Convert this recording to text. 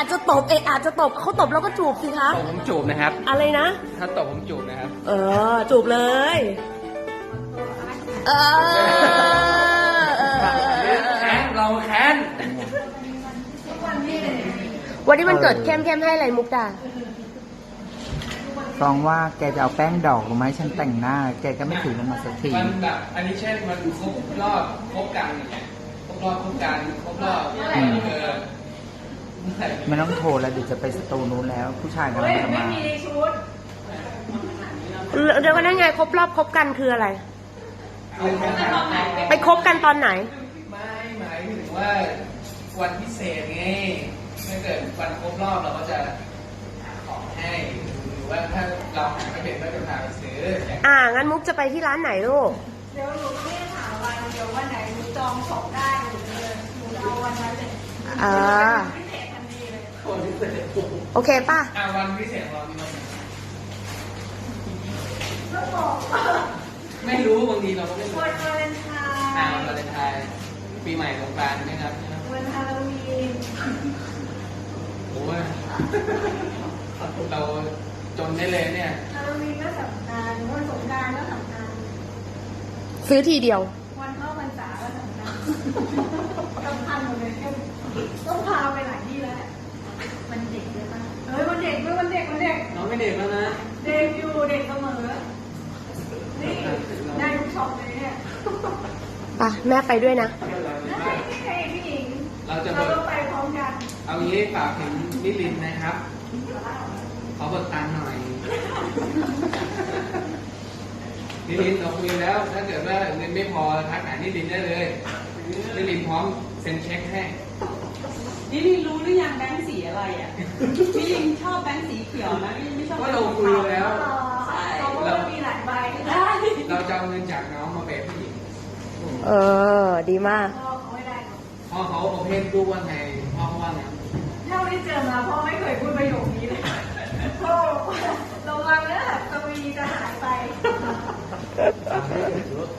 จะตบอาจจะตบเขาตบแล้วก็จูบสิคะตบผมจูบนะครับอะไรนะถ้าตบผมจูบนะครับจูบเลยแค้นเราแค้นวันนี้มันเกิดเข้มให้อะไรมุกดาฟองว่าแกจะเอาแป้งดอกมาให้ฉันแต่งหน้า แกก็ไม่ถือลงมาสักทีมันแบบอันนี้เช่นมันครบรอบครบกันอย่างเงี้ยครบรอบครบกันครบรอบไม่ต้องโทรแล้วเดี๋ยวจะไปสตูนู้นแล้ว ผู้ชายกำลังจะมาเดี๋ยวก็นั่นไงครบรอบครบกันคืออะไร ไปคบกันตอนไหนไม่หมายถึงว่าวันพิเศษไงถ้าเกิดวันครบรอบเราก็จะหาของให้หรือว่าถ้าเราหาไม่เป็นก็จะพาไปซื้องั้นมุกจะไปที่ร้านไหนลูกเดี๋ยวหนูไม่ได้ถามวันเดียววันไหนหนูจองของได้หนูเลยหนูเอาวันนั้นเลย พิเศษทันทีเลยวันพิเศษโอเคป่ะวันพิเศษเรามีวันไหนก็บอกไม่รู้บางทีเราก็ไม่รู้วันวาเลนไทวันน์วาเลนไทน์ปีใหม่สงกรานต์นะครับวันฮาโลวีนโอ้ยเราจนได้เลยเนี่ยฮาโลวีนก็สำคัญวันสงกรานต์ก็สำคัญซื้อทีเดียววันเข้าพรรษาก็สำคัญสำคัญหมดเลยต้องพาไปหลายที่แล้วมันเด็กเลยป่ะวันเด็กด้วยวันเด็กน้องไม่เด็กแล้วนะเด็กอยู่เด็กเสมอนี่ได้ทุกช็อปเลยเนี่ยป่ะ แม่ไปด้วยนะได้พี่เอกพี่หญิงเราจะเราต้องไปพร้อมกันเอางี้ฝากถึงนิรินทร์นะครับขอเบิกตังค์หน่อยนิรินทร์เราคุยแล้ว ถ้าเกิดว่าเงินไม่พอทักหานิรินทร์ได้เลยนิรินทร์พร้อมเซ็นเช็คให้นี่ลิงรู้หรือยังแบงค์สีอะไรอ่ะนี่ลิงชอบแบงค์สีเขียวนะนี่ไม่ชอบก็เราคุยแล้วเขาบอกว่ามีหลายใบได้เราจะเอาเงินจากน้องมาเปย์ผู้หญิงดีมากพ่อเขาไม่ได้พ่อเขาโอเพนรูปว่าไงพ่อเขาว่าไงเท่าที่เจอมาพ่อไม่เคยพูดประโยคนี้เลย